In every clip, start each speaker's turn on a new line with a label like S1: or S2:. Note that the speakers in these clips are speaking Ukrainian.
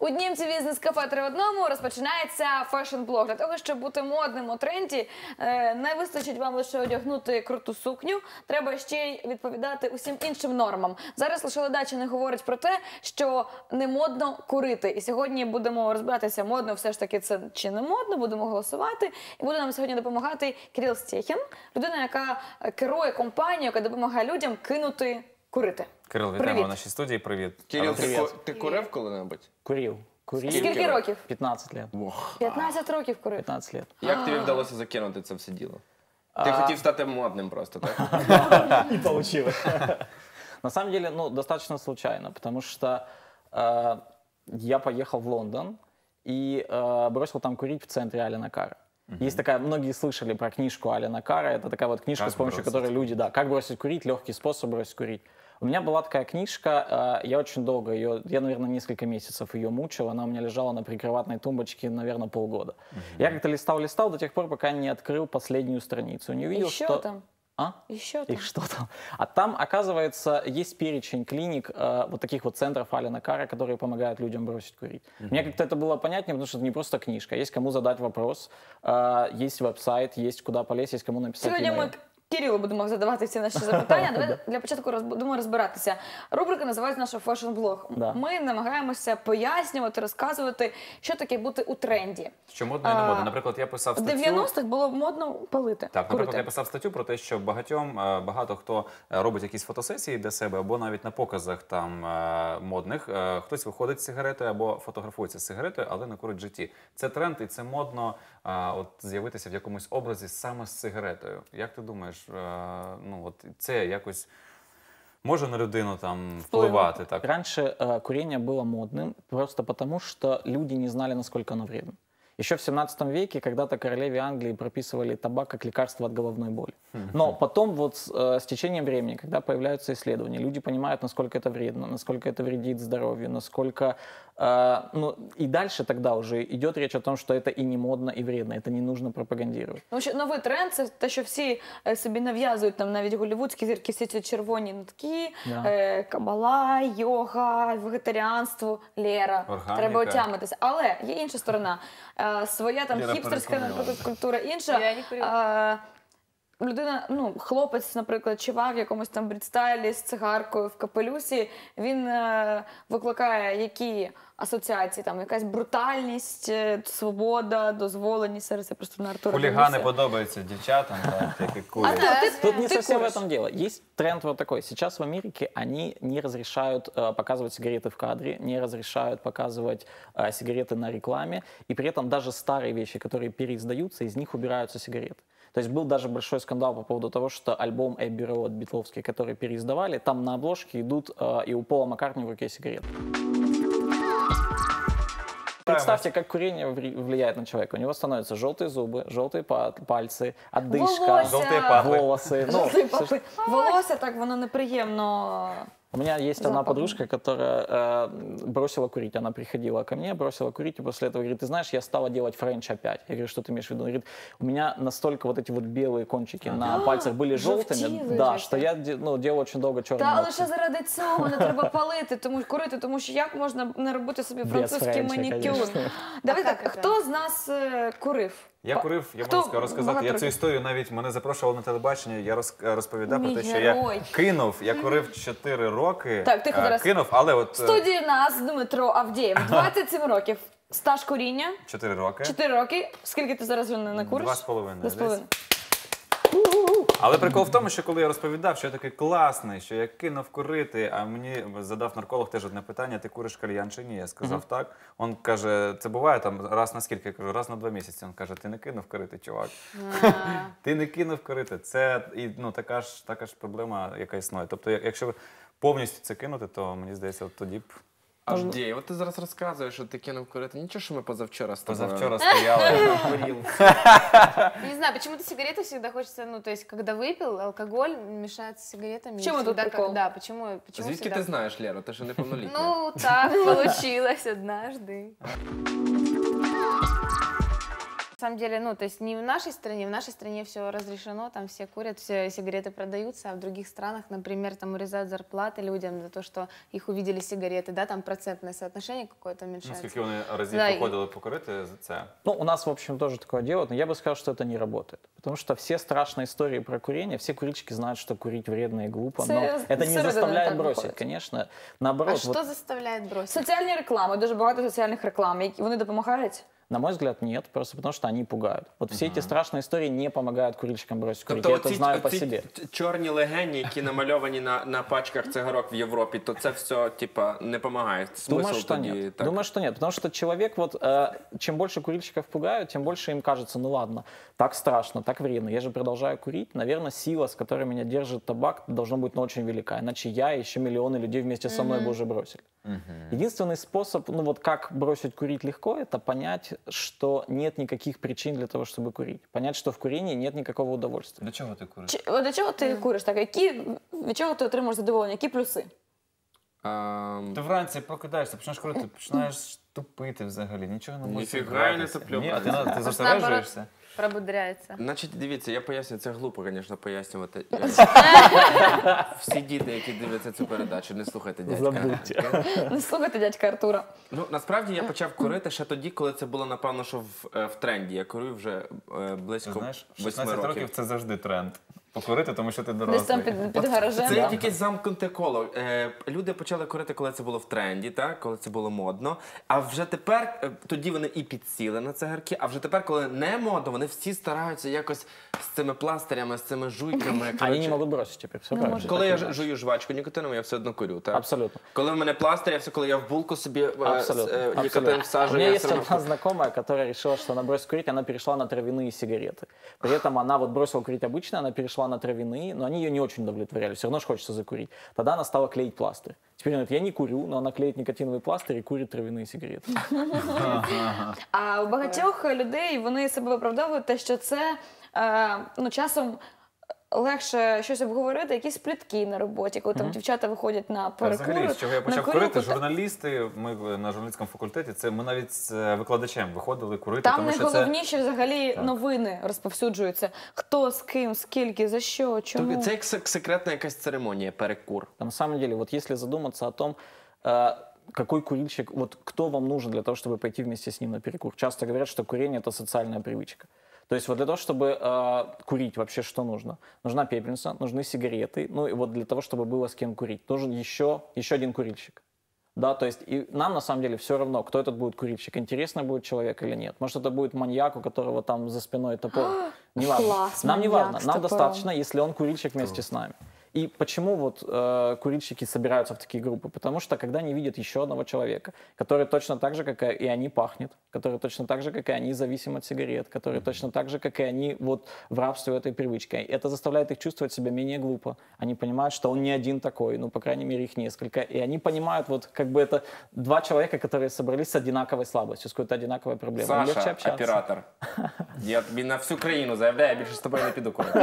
S1: У Днімці бізнес-кафе 3 в одному розпочинається фешн-блог. Для того, щоб бути модним у тренді, не вистачить вам лише одягнути круту сукню, треба ще й відповідати усім іншим нормам. Зараз лише Ледача говорить про те, що не модно курити. І сьогодні будемо розбиратися, модно все ж таки це чи не модно, будемо голосувати. І буде нам сьогодні допомагати Кирил Стєхін, людина, яка керує компанією, яка допомагає людям кинути курити.
S2: Кирил, вітаємо в нашій студії, привіт.
S3: Кирил, ти курив коли-небудь?
S4: Курил.
S1: Скільки років?
S4: 15 лет.
S1: 15 років курив.
S4: 15 лет.
S3: Як тобі вдалося закинути це все діло? Ти хотів стати модним просто, так?
S4: Не получилось. На самом деле, достаточно случайно, потому что я поехал в Лондон и бросил там курить в центре Алена Карра. Есть такая, многие слышали про книжку Алена Карра, это такая вот книжка, с помощью которой люди, как бросить курить, легкий способ бросить курить. У меня была такая книжка, я очень долго ее, я, наверное, несколько месяцев ее мучил, она у меня лежала на прикроватной тумбочке, наверное, полгода. Я как-то листал до тех пор, пока не открыл последнюю страницу, не увидел,
S1: Еще
S4: что...
S1: там?
S4: Еще там. И что там? А там, оказывается, есть перечень клиник, вот таких вот центров Алена Карра, которые помогают людям бросить курить. Мне как-то это было понятнее, потому что это не просто книжка. Есть кому задать вопрос, есть веб-сайт, есть куда полезть, есть кому написать
S1: Сьогодні Кирилу будемо задавати всі наші запитання. Давай для початку будемо розбиратися. Рубрика називається наша фешн-блог. Ми намагаємося пояснювати, розказувати, що таке бути у тренді.
S2: Що модно і не модно. Наприклад, я писав статтю...
S1: В 90-х було модно палити.
S2: Так, наприклад, я писав статтю про те, що багато хто робить якісь фотосесії для себе, або навіть на показах там модних, хтось виходить з сигаретою або фотографується з сигаретою, але не курить в житті. Це тренд і це модно з'явитися в якомусь образі саме з сигаретою. Як ти думаєш, це якось може на людину там впливати? Так?
S4: Раньше курение было модным просто потому, что люди не знали, насколько оно вредно. Еще в 17 веке когда-то королеве Англии прописывали табак как лекарство от головной боли. Но потом вот с течением времени, когда появляются исследования, люди понимают, насколько это вредно, насколько это вредит здоровью, насколько... и дальше тогда уже идет речь о том, что это и не модно, и вредно, это не нужно пропагандировать.
S1: Тому що новий тренд – це те, що всі собі нав'язують, там навіть голлівудські зірки, всі ці червоні нитки, кабала, йога, вегетаріанство, Лера.
S2: Органіка.
S1: Треба отямитися. Але є інша сторона. Своя там хіпстерська, наприклад, культура інша. Людина, хлопець, наприклад, чувак в якомусь там брідстайлі з цигаркою в капелюсі, він викликає які асоціації, там якась брутальність, свобода, дозволеність, зараз я просто на Артура
S2: Хулігани подобаються дівчатам, які курять.
S4: Тут не совсем в этом дело. Есть тренд вот такой. Сейчас в Америке они не разрешают показывать сигареты в кадре, не разрешают показывать сигареты на рекламе, и при этом даже старые вещи, которые переиздаются, из них убираются сигареты. То есть был даже большой скандал по поводу того, что альбом Abbey Road битловский, который переиздавали, там на обложке идут и у Пола Маккартни в руке сигареты. Представьте, как курение влияет на человека. У него становятся желтые зубы, желтые пальцы, одышка,
S1: желтые
S4: волосы.
S1: Волосся, так, воно неприємно.
S4: У меня есть одна подружка, которая бросила курить. Она приходила ко мне, бросила курить, и после этого говорит: ты знаешь, я стала делать френч опять. Я говорю: что ты имеешь в виду? Она говорит: у меня настолько вот эти вот белые кончики на пальцах были желтыми, да, что я делал очень долго черные
S1: Та
S4: ногти.
S1: лише заради цього не треба палити, курити, тому що як можна не робити собі французький манікюр? Давай так, хто з нас курив?
S2: Я курив, я можу розказати, я цю історію навіть, мене запрошували на телебачення, я розповідав про те, що я кинув, я курив 4 роки,
S1: так, тихо зараз.
S2: Кинув, але от...
S1: В студії у нас Дмитро Авдєєв, 27 років, стаж куріння.
S2: 4 роки.
S1: 4 роки. Скільки ти зараз вже не куриш?
S2: 2,5. Але прикол в тому, що коли я розповідав, що я такий класний, що я кинув курити, а мені задав нарколог теж одне питання: ти куриш кальян чи ні? Я сказав так. Він каже: це буває там раз на скільки? Я кажу: раз на 2 місяці. Він каже: ти не кинув курити, чувак. Ти не кинув курити. Це така ж проблема, яка існує. Тобто, якщо повністю це кинути, то мені здається, от тоді б...
S3: Авдій, от ти зараз розказуєш, що ти кинув курити. Нічого, що ми позавчора з тобою.
S2: Позавчора стояли.
S5: Не знаю, почему-то сигареты всегда хочется, то есть, когда выпил, алкоголь мешает с сигаретами.
S1: В чем этот прикол?
S5: Да, почему
S3: Звідки ти знаєш, Лера? Ти ж неповнолітня.
S5: Ну, так получилось однажды. самом деле, ну, то есть не в нашей стране все разрешено, там все курят, все сигареты продаются, а в других странах, например, там урезают зарплаты людям за то, что их увидели сигареты, да, там процентное соотношение какое-то уменьшается.
S2: Наскільки вони разів
S5: Да,
S2: походили покурити за це?
S4: Ну, у нас, в общем, тоже такое делают, но я бы сказал, что это не работает. Потому что все страшные истории про курение, все курильщики знают, что курить вредно и глупо, но это не
S1: середина
S4: заставляет
S1: так
S4: бросить,
S1: выходит.
S4: конечно.
S5: А
S4: Наоборот,
S5: что
S4: вот,
S5: заставляет бросить?
S1: Соціальні реклами, дуже багато соціальних реклам. Вони допомагають?
S4: на мой взгляд, нет, просто потому что они пугают. Вот все эти страшные истории не помогают курильщикам бросить курить. Я это знаю по себе.
S3: Чорні легені, які намальовані на пачках цигарок в Європі, то це все, типа, не допомагає.
S4: Думаю, что нет. Думаю, что нет. Потому что человек, вот, чем больше курильщиков пугают, тем больше им кажется, ну ладно, так страшно, так вредно. Я же продолжаю курить. Наверное, сила, с которой меня держит табак, должна быть очень велика. Иначе я и еще миллионы людей вместе со мной бы уже бросили. Единственный способ, ну вот как бросить курить легко, это понять, что нет никаких причин для того, чтобы курить. Понять, что в курении нет никакого удовольствия.
S2: До чого ти куриш?
S1: До чого ти куриш? Так, від чого ти отримуєш задоволення? Які плюси?
S2: Ти вранці прокидаєшся, починаєш курити, починаєш тупити взагалі, нічого не можеш
S3: Ніфіга я не
S2: зібратися.
S3: туплю,
S2: Ні, а
S3: правда.
S2: ти зосереджуєшся.
S5: Пробудряется.
S3: Значить, дивіться, я поясню, це глупо, звісно, пояснювати. Всі діти, які дивляться цю передачу, не слухайте дядька.
S4: Забудьте.
S1: Не слухайте дядька Артура.
S3: Ну, насправді я почав курити ще тоді, коли це було, напевно, що в тренді. Я курю вже близько
S2: Знаєш,
S3: 8
S2: 16 років це завжди тренд. Покурити, тому що ти
S1: Десь
S2: дорослий.
S1: там під гаражем.
S3: Це
S1: да.
S3: як якесь замкнуте коло. Люди почали курити, коли це було в тренді, так? Коли це було модно. А вже тепер, тоді вони і підсіли на цигарки, а вже тепер, коли не модно, вони всі стараються якось з цими пластирями, з цими жуйками.
S4: Они не
S3: коротше.
S4: могут бросить теперь, все правильно.
S3: Коли я
S4: Так и
S3: жую жвачку нікотинову, я все одно курю, так?
S4: Абсолютно.
S3: Коли в мене пластир, я все, коли я в булку собі
S4: Абсолютно.
S3: нікотин
S4: Абсолютно. У
S3: всаджую,
S4: меня
S3: я
S4: есть
S3: все
S4: одна знакомая, которая решила, что она бросит курить, она перешла на травяные сигареты. При этом она вот бросила курить обычно, она перешла на травяные, но они ее не очень удовлетворяли, все равно же хочется закурить. Тогда она стала клеить пластырь. Теперь она говорит, я не курю, но она клеит никотиновый пластырь и курит травяные сигареты.
S1: А у багатьох людей вони себе виправдовують те, що це ну, часом легше щось обговорити, якісь плітки на роботі, коли там дівчата виходять на перекури.
S2: Взагалі, з чого я
S1: на
S2: почав
S1: курілку,
S2: курити, журналісти, ми на журналістському факультеті, це ми навіть з викладачем виходили курити,
S1: Там
S2: тому що це...
S1: найголовніше взагалі новини розповсюджуються. Хто, з ким, скільки, за що, чому.
S3: Це як секретна якась церемонія, перекур.
S4: На самом деле, вот если задуматься о том, какой курильщик, вот кто вам нужен для того, чтобы пойти вместе с ним на перекур. Часто говорят, что курение – это социальная привычка. То есть вот для того, чтобы курить, вообще что нужно? Нужна пепельница, нужны сигареты, ну и вот для того, чтобы было с кем курить, нужен еще один курильщик. Да, то есть и нам на самом деле все равно, кто этот будет курильщик, интересный будет человек или нет. Может, это будет маньяк, у которого там за спиной топор. Не важно.
S1: Класс,
S4: Нам не
S1: маньяк
S4: важно,
S1: с
S4: нам
S1: топором.
S4: достаточно, если он курильщик вместе с нами. И почему вот курильщики собираются в такие группы? Потому что когда они видят еще одного человека, который точно так же, как и они, пахнет, который точно так же, как и они, зависим от сигарет, который точно так же, как и они, вот в рабстве этой привычкой. Это заставляет их чувствовать себя менее глупо. Они понимают, что он не один такой, ну, по крайней мере, их несколько. И они понимают, вот как бы это два человека, которые собрались с одинаковой слабостью, с какой-то одинаковой проблемой. Им легче
S3: Саша,
S4: общаться.
S3: оператор. Я тобі на всю країну заявляю, я більше з тобою не піду курити.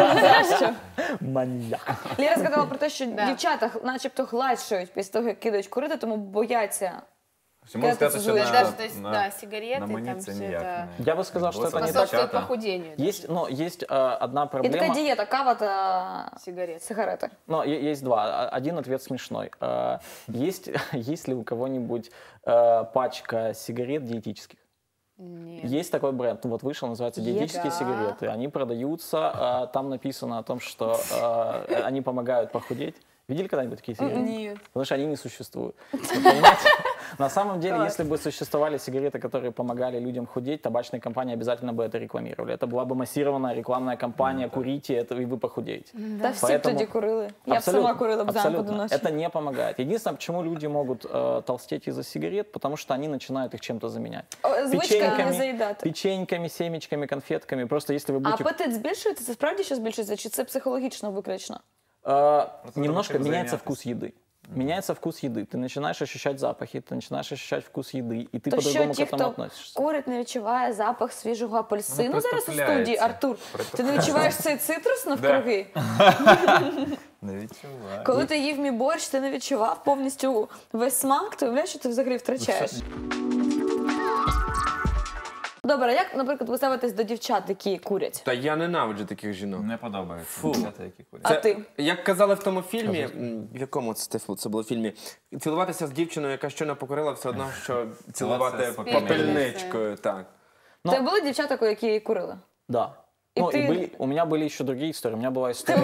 S4: Маньяк.
S1: Ліра сказала про те, що
S5: Да.
S1: дівчата начебто гладшають після того, як кидають курити, тому бояться.
S2: Можна сказати, що
S1: Даже,
S5: Даже, то есть, да, сигареты,
S2: на мені
S5: там
S2: це
S5: все
S2: ніяк
S5: это
S2: не...
S4: Я бы сказал, что это не так.
S5: способствует
S2: Дівчата.
S5: похудению.
S4: Есть, но есть одна
S1: І
S4: проблема.
S1: така дієта, кава та
S5: Сигарет.
S1: сигарети.
S4: Но есть два. Один ответ смешной. Есть ли у кого-нибудь пачка сигарет диетических?
S5: Нет.
S4: Есть такой бренд, ну вот вышел, называется диетические
S5: Да.
S4: сигареты. Они продаются, там написано о том, что они помогают похудеть. Видели когда-нибудь такие сигареты?
S5: Нет.
S4: Потому что они не существуют. Вы понимаете? На самом деле, если бы существовали сигареты, которые помогали людям худеть, табачные компании обязательно бы это рекламировали. Это была бы массированная рекламная кампания «Курите, это, и вы похудеете».
S1: Та всі б
S4: Поэтому-
S1: тоді курили. Я б сама курила б зранку до ночі.
S4: Это не помогает. Единственное, почему люди могут толстеть из-за сигарет, потому что они начинают их чем-то заменять.
S1: Звичка не заїдати.
S4: Печеньками, семечками, конфетками. Просто если вы
S1: А
S4: будете...
S1: апетит збільшується? Це справді що збільшується? Чи це психологічно виключно?
S4: Немножко
S2: чем
S4: меняется
S2: заняться.
S4: вкус еды. Меняется вкус еды. Ты начинаешь ощущать запахи, ты начинаешь ощущать вкус еды, и ты
S1: То що
S4: по-другому к
S1: ті,
S4: этому
S1: хто
S4: относишься.
S1: курить, не відчуває запах свіжого апельсину
S2: Ну,
S1: зараз у студії?
S2: притупляється.
S1: Артур, ти не відчуваєш цей цитрус навкруги?
S2: Не відчуваю.
S1: Коли ти їв мій борщ, ти не відчував повністю весь смак, ти уявляєш, що ти взагалі втрачаєш. Добре, а як, наприклад, ви ставитесь до дівчат, які курять?
S3: Та я ненавиджу таких жінок.
S2: Не подобається.
S3: Фу.
S2: Дівчата, які курять.
S1: А ти?
S3: Як казали в тому фільмі, в якому це було фільмі, цілуватися з дівчиною, яка щойно покорила, все одно, що цілувати
S2: Це
S3: попільничкою. Так.
S4: Ну,
S1: Це були дівчата, які курили?
S4: Да.
S1: И
S4: Ну,
S1: ты-
S4: у меня были еще другие истории. У меня была история...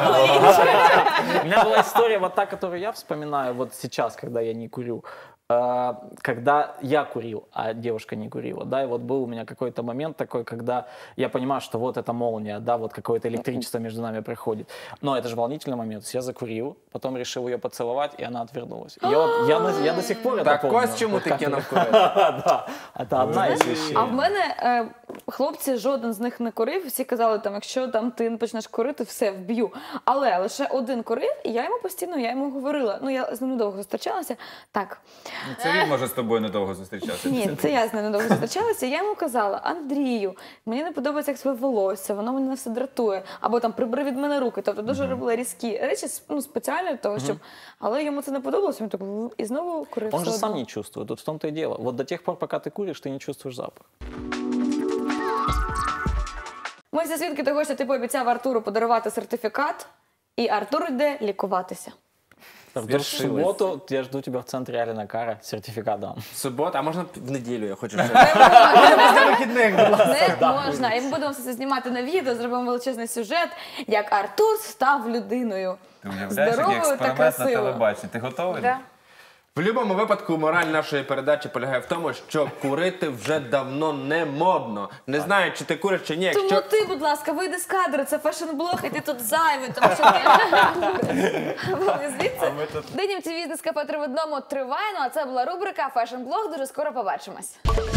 S4: У меня была история, вот та, которую я вспоминаю вот сейчас, когда я не курю. Когда я курил, а девушка не курила, да, и вот был у меня какой-то момент такой, когда я понимаю, что вот эта молния, да, вот какое-то электричество между нами проходит. Но это же волнительный момент. То есть я закурил, потом решил ее поцеловать, и она отвернулась. И я до сих пор это
S3: Так
S4: помню.
S3: ось чому
S4: Вот
S3: ти
S4: как-
S3: кинув курити.
S4: Да, это одна из вещей.
S1: А в мене хлопці, жоден з них не курив. Всі казали, там, якщо там ти почнеш курити, все, вб'ю. Але лише один курив, і я йому говорила. Ну, я з ним недовго зустрічалася. Так,
S2: Це він може з тобою недовго зустрічатися.
S1: ні, це я з ним недовго зустрічалася. Я йому казала: Андрію, мені не подобається, як своє волосся, воно мене все дратує. Або там прибери від мене руки. Тобто дуже робила різкі речі, ну, спеціально для того, щоб. Але йому це не подобалося, він так і знову курив.
S4: Он же
S1: все
S4: сам
S1: одно.
S4: не чувствует. Тут в том-то и дело. Вот до тех пор, пока ты куришь, ты не чувствуешь запах.
S1: Ми всі свідки того, що ти пообіцяв Артуру подарувати сертифікат, і Артур йде лікуватися.
S4: Артур, в субботу я жду тебя в центре Алина Кара. Сертификат дам.
S3: Субота, а можна в неділю, я хочу ще. Після вихідних, будь ласка.
S1: Не можна. І ми будемо все це знімати на відео, зробимо величезний сюжет, як Артур став людиною.
S2: Ти уявляєш, який
S1: Здоровою та
S2: експеримент на
S1: красивою.
S2: телебаченні. Ти готовий?
S5: Да.
S3: В будь-якому випадку мораль нашої передачі полягає в тому, що курити вже давно не модно. Не знаю, чи ти куриш, чи ні.
S1: Тому
S3: Якщо
S1: ти, будь ласка, вийди з кадру, це фешн-блог, і ти тут зайвий, тому що ти... Вон звідси. День МТВ «Бізнес-кафе 3 в одному» триває, ну а це була рубрика «Фешн-блог». Дуже скоро побачимось.